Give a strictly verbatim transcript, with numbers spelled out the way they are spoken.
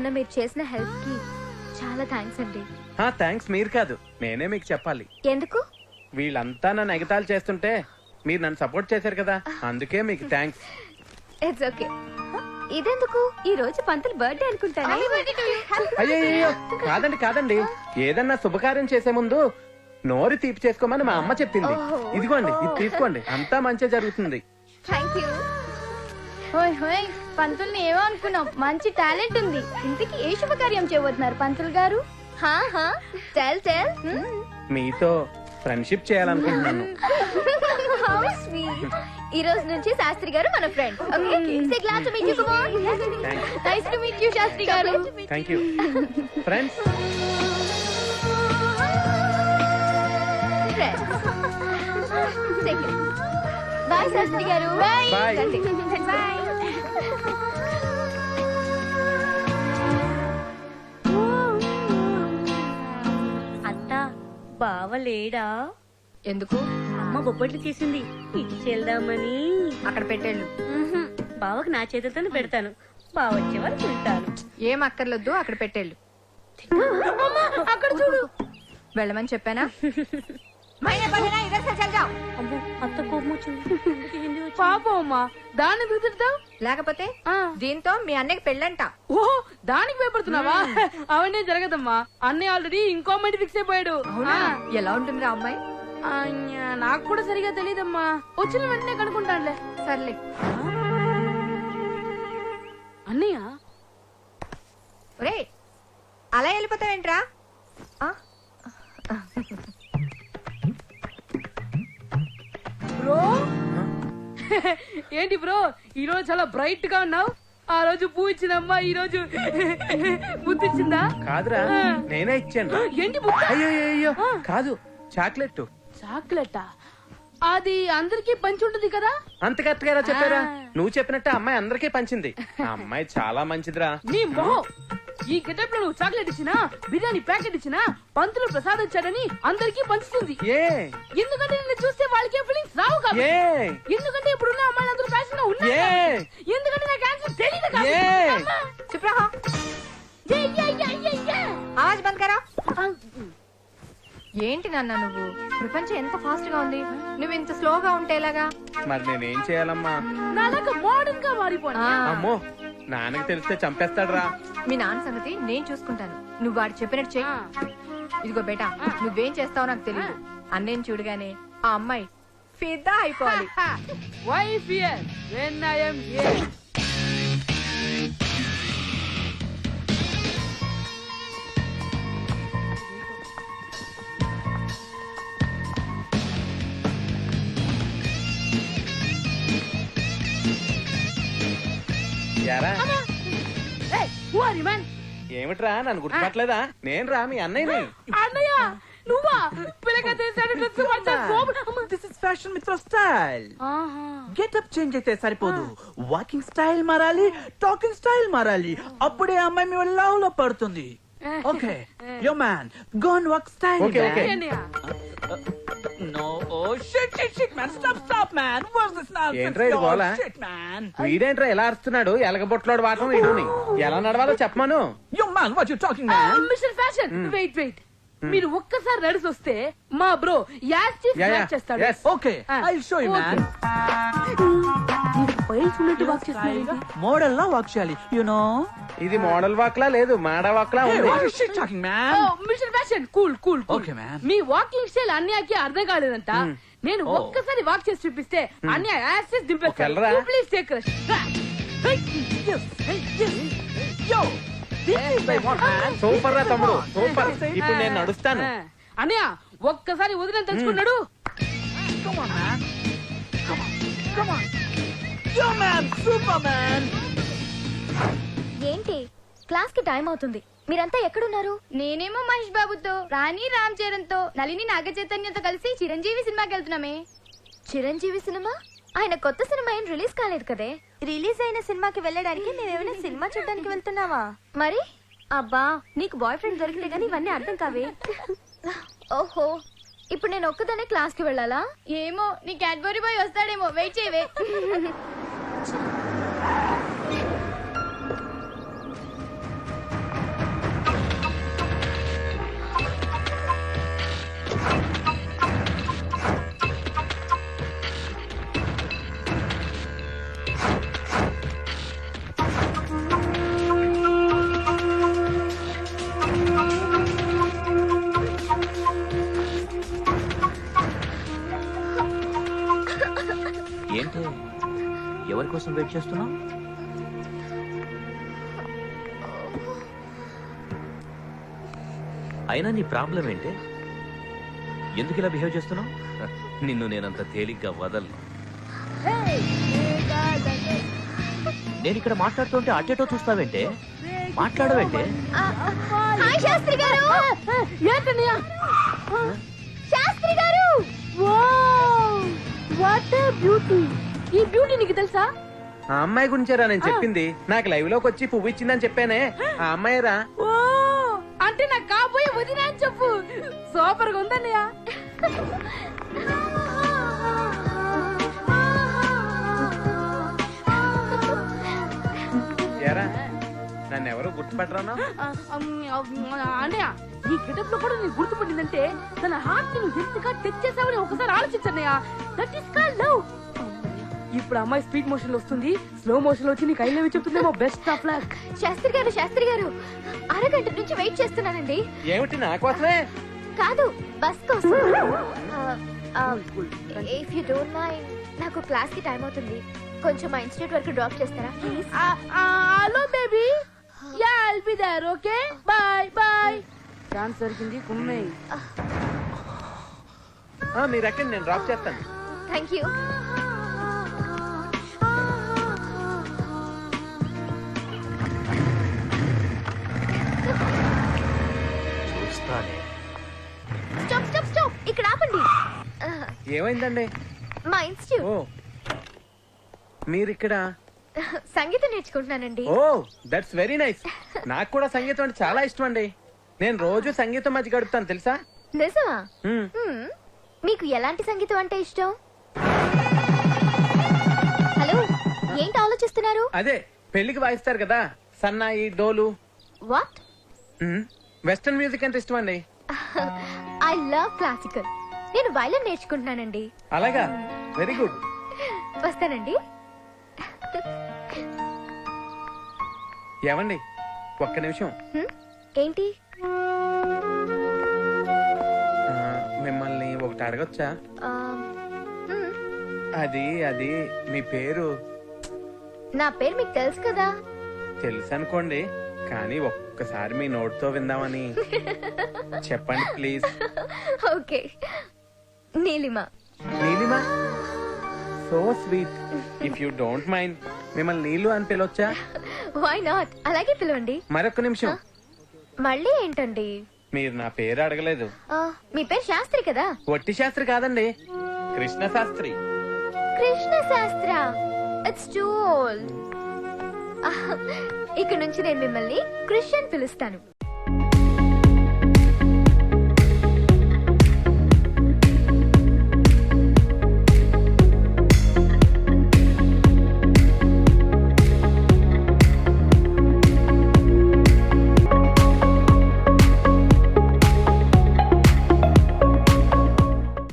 మొన్న మీరు చేసిన హెల్ప్ కి చాలా థ్యాంక్స్ అండి. థ్యాంక్స్ మీరు కాదు, నేనే మీకు చెప్పాలి. ఎందుకు? వీళ్ళంతా నన్ను ఎగతాళి చేస్తుంటే మీరు నన్ను సపోర్ట్ చేశారు కదా, అందుకే మీకు థ్యాంక్స్. It's okay. ఇదెందుకు? ఈ రోజు పంతులు బర్త్డే అనుకుంటాను. అయ్యో కాదండి కాదండి, ఏదన్నా శుభకార్యం చేసే ముందు నోరు తీపి చేసుకోమని మా అమ్మ చెప్పింది. ఇదిగోండి, ఇది తీసుకోండి, అంతా మంచిగా జరుగుతుంది. Thank you. హోయ్ హోయ్, పంతుల్ని ఏమో అనుకున్నాం, మంచి టాలెంట్ ఉంది. ఇంతకీ ఏ శుభకార్యం చేయబోతున్నారు పంతులు గారు? హా హా టెల్ టెల్. మీతో ఫ్రెండ్షిప్ చేయాలనుకుంటున్నాను. How sweet. ఈ రోజు నుంచి శాస్త్రి గారు మన friend. Okay, say glad to meet you. Come on. Nice to meet you Shastri garu. Thank you friends. Bye Shastri garu. Bye bye. Bye. అత్తా బావలేడా? ఎందుకు? అమ్మ బొబ్బట్లు చేసింది, ఇచ్చేద్దామని. అక్కడ పెట్టేళ్ళు. బావకు నా చేతులతో పెడతాను, బావ వచ్చే వరకు ఉంటాను. ఏం అక్కర్లొద్దు, అక్కడ పెట్టేళ్ళు. అక్కడ చూడు. వెళ్ళమని చెప్పానా? అమ్మో, అత్త కోపం వచ్చింది. ఏంది వచ్చింది? పాపం అమ్మా, దాన్ని కుదురుతావు. లేకపోతే దీంతో మీ అన్నయ్యకి పెళ్ళంట. ఓహో, దానికి భయపడుతున్నావా? అవన్నీ జరగదమ్మా, అన్నయ్య ఆల్రెడీ ఇంకో మైండ్ ఫిక్స్ అయిపోయాడు. ఎలా ఉంటుంది ఆ అమ్మాయి? నాకు కూడా సరిగా తెలియదమ్మా, వచ్చిన వెంటనే కనుక్కుంటానులే. సర్లే. అన్నయ్య, ఒరే అలా వెళ్ళిపోతావేంట్రా? బ్రో ఏంటి బ్రో, ఈ రోజు చాలా బ్రైట్ గా ఉన్నావు. ఆ రోజు పువ్వు ఇచ్చిందమ్మా, ఈ రోజు బుద్ధిచ్చిందా? కాదురా, నేనే ఇచ్చాను. ఏంటి? అయ్యో అయ్యో కాదు, చాక్లెట్. చాక్లెటా? అది అందరికీ పంచి ఉంటుంది కదా. అంత కరెక్ట్ గా చెప్పారా? నువ్వు చెప్పినట్టే అమ్మాయి అందరికీ పంచింది. ఆ అమ్మాయి చాలా మంచిదిరా. నీ మొహం, ఈ గెటప్ లో నువ్వు చాక్లెట్ ఇచ్చినా, బిర్యానీ ప్యాకెట్ ఇచ్చినా, పంతులు ప్రసాద్ ఇచ్చాడని అందరికీ పంచుతుంది. ఏ ఎందుకంటే నిన్ను చూస్తే వాళ్ళకి ఫీలింగ్స్ రావు కాబట్టి. ఏ ఎందుకంటే ఇప్పుడున్న అమ్మాయిలు అందరూ ఫ్యాషన్ గా ఉన్నారు. ఎందుకంటే నాకు ఆన్సర్ తెలియదు కాబట్టి. చుప్ రహో. ఆవాజ్ బంద్ కరో. ఏంటి నాన్న నువ్వు? ప్రపంచం ఎంత ఫాస్ట్ గా ఉంది, నువ్వు ఇంత స్లోగా ఉంటే ఎలాగా? మరి నేనేం చేయాలమ్మా? నాలాగా మోడర్న్ గా మారిపోనా? అమ్మో, నాన్నకి తెలిస్తే చంపేస్తాడురా. మీ నాన్న సంగతి నేను చూసుకుంటాను, నువ్వు వాడు చెప్పినట్టు చెయ్యి. ఇదిగో బేటా, నువ్వేం చేస్తావో నాకు తెలియదు. అన్నేం చూడగానే ఆ అమ్మాయి ఫిదా అయిపోవాలి. Why fear when I am here? యారా, Hey, who are you, man? ఏమిట్రా నన్ను గుర్తుపట్టలేదా? నేను రా, మీ అన్నయ్యని. అన్నయ్య నువ్వా? పిల్లగా చేశాడు డ్రెస్ మంచి కోపం. This is fashion Mitra style. Getup change అయితే సరిపోదు, వాకింగ్ స్టైల్ మారాలి, టాకింగ్ స్టైల్ మారాలి. అప్పుడే అమ్మాయి మీ లవ్ లో పడుతుంది. Okay yo man, go and walk style. Okay okay. No oh shit shit shit man, stop stop man. What's this nonsense? ఏంట్రా ఇది గోల? Shit man. వీడేంట్రా ఎలా అరుస్తున్నాడు? ఎలగబొట్లాడు వాటం వీడుని. ఎలా నడవాలో చెప్పమను. Yo man, what you talking man? Mister fashion, wait wait. మీరు ఒక్కసారి నడిచి వస్తే మా bro active Yeah, yeah. Act చేస్తాడు. Yes. Okay I will show you man. Files ఉన్నట్టు వాక్ చేస్తున్నాడు. మోడల్ లా వాక్ చేయాలి, యు నో. ఇది మోడల్ వాక్లా లేదు, మాడా వాక్లా Hey, ఉంది. what is she talking, man? Mister fashion, cool cool. Okay, man. మీ వాకింగ్ స్టైల్ అన్యాకి అర్థం కాలేదంట. నేను Oh. ఒక్కసారి వాక్ చేసి చూపిస్తే అన్య యాక్సెస్ దింపేస్తాడు. ఒకళ్ళరా? Please take rest. Yes, yes. Yo, this is my one, man. Super రా తమ్ముడు, సూపర్. ఇప్పుడు నేను నడుస్తాను. అన్నయ్య ఒక్కసారి వదిలేని తెలుసుకున్నాడు. Come on, man. Come on, come on. Yo, man, Superman. ఏంటి? క్లాస్ కి టైం అవుతుంది, మీరంతా ఎక్కడున్నారు? నేనేమో మహేష్ బాబుతో, రాణి రామ్ చరణ్ తో, నళిని నాగ చైతన్యతో కలిసి చిరంజీవి సినిమాకి వెళ్తున్నామే. చిరంజీవి సినిమా? ఆయన కొత్త సినిమా ఏం రిలీజ్ కాలేదు కదే. రిలీజ్ అయిన సినిమాకి వెళ్ళడానికి మేమేమైనా సినిమా చూడడానికి వెళ్తున్నావా? మరి అబ్బా, నీకు బాయ్ ఫ్రెండ్ దొరికితే గానీ ఇవన్నీ అర్థం కావే. ఓహో, ఇప్పుడు నేను ఒక్కదానే క్లాస్ కి వెళ్ళాలా? ఏమో, నీ క్యాడ్బరీ బాయ్ వస్తాడేమో, వెయిట్ చేయవే. దేనికోసం వెయిట్ చేస్తున్నావు? అయినా నీ ప్రాబ్లం ఏంటి? ఎందుకు ఇలా బిహేవ్ చేస్తున్నావు? నిన్ను నేనంత తేలిగ్గా వదలను. నేను ఇక్కడ మాట్లాడుతుంటే అటేటో చూస్తావేంటే? మాట్లాడవేంటే? హాయ్ శాస్త్రి గారు. ఏంటన్నయ్య? శాస్త్రి గారు. What beauty! ఈ బ్యూటీ నీకు తెలుసా? ఆ అమ్మాయి గురించేరా నేను చెప్పింది. నాకు లైవ్ లోకి వచ్చి పువ్వు ఇచ్చిందని చెప్పానే, ఆ అమ్మాయిరా. ఓ అంటే నాకు కాబోయే వదినా అని చెప్పు. సూపర్ గా ఉందన్నయ్య. ఏరా నన్ను ఎవరు గుర్తుపట్టరానా? అన్నయ్య ఈ గెటప్ లో కూడా నీకు గుర్తుపడిందంటే తన హార్ట్ నువ్వు ఎంతగా టచ్ చేసావని ఒకసారి ఆలోచించన్నయ్య. That is called love. ఇప్పుడు అమ్మాయి స్పీడ్ మోషన్ లో వస్తుంది, స్లో మోషన్ లో వచ్చి నీకు ఐ లవ్ యూ చెప్తుందేమో. Best of luck. Shastri garu Shastri గారు అరగంట నుంచి వెయిట్ చేస్తున్నానండి. ఏమిటి నా కోసమే? కాదు బస్ కోసం. ఇఫ్ యూ డోంట్ మైండ్ నాకు క్లాస్ కి టైం అవుతుంది. కొంచెం మా ఇన్స్టిట్యూట్ వరకు డ్రాప్ చేస్తారా please? Hello baby. Yeah I'll be there. Okay bye bye. ఛాన్స్ దొరికింది కుమ్మే. మీరు ఎక్కడ, నేను డ్రాప్ చేస్తాను. Thank you. చూస్తానే. Stop stop stop. ఇక్కడ ఆపండి. ఏమైందండి? మా ఇన్స్టిట్యూట్. ఓ మీరిక్కడ? సంగీతం నేర్చుకుంటున్నానండి. Oh that's very nice. నాకు కూడా సంగీతం అంటే చాలా ఇష్టం అండి. నేను రోజు సంగీతం మధ్య గడుపుతాను తెలుసా? నిజమా? హ్మ్. హ్మ్. మీకు ఎలాంటి సంగీతం అంటే ఇష్టం? హలో ఏంటి ఆలోచిస్తున్నారు? అదే పెళ్లికి వాయిస్తారు కదా సన్నాయి డోలు. వాట్? వెస్టర్న్ మ్యూజిక్ అంటే ఇష్టం అండి. I love classical. నేను వైలన్ నేర్చుకుంటున్నానండి. అలాగా, వెరీ గుడ్. వస్తానండి. ఏమండి ఒక్క నిమిషం. హ్మ్? ఏంటి? ఆ, మిమ్మల్ని ఒకటి అడగొచ్చా? ఆ, హ్మ్. అది అది మీ పేరు నా పేరు మీకు తెలుసు కదా. తెలుసు అనుకోండి, కానీ ఒక్కసారి మీ నోటితో విందామని. చెప్పండి please. Okay, Neelima. Neelima, so sweet. If you don't mind మిమ్మల్ని నీళ్ళు అని పిలవచ్చా? Why not? అలాగే పిలవండి. మరొక నిమిషం. మళ్ళీ ఏంటండి? మీరు నా పేరు అడగలేదు. ఆ, మీ పేరు శాస్త్రి కదా. వట్టి శాస్త్రి కాదండి, Krishna Shastri. Krishna Shastri. It's too old. ఇక నుంచి నేను మిమ్మల్ని క్రిస్టియన్ పిలుస్తాను.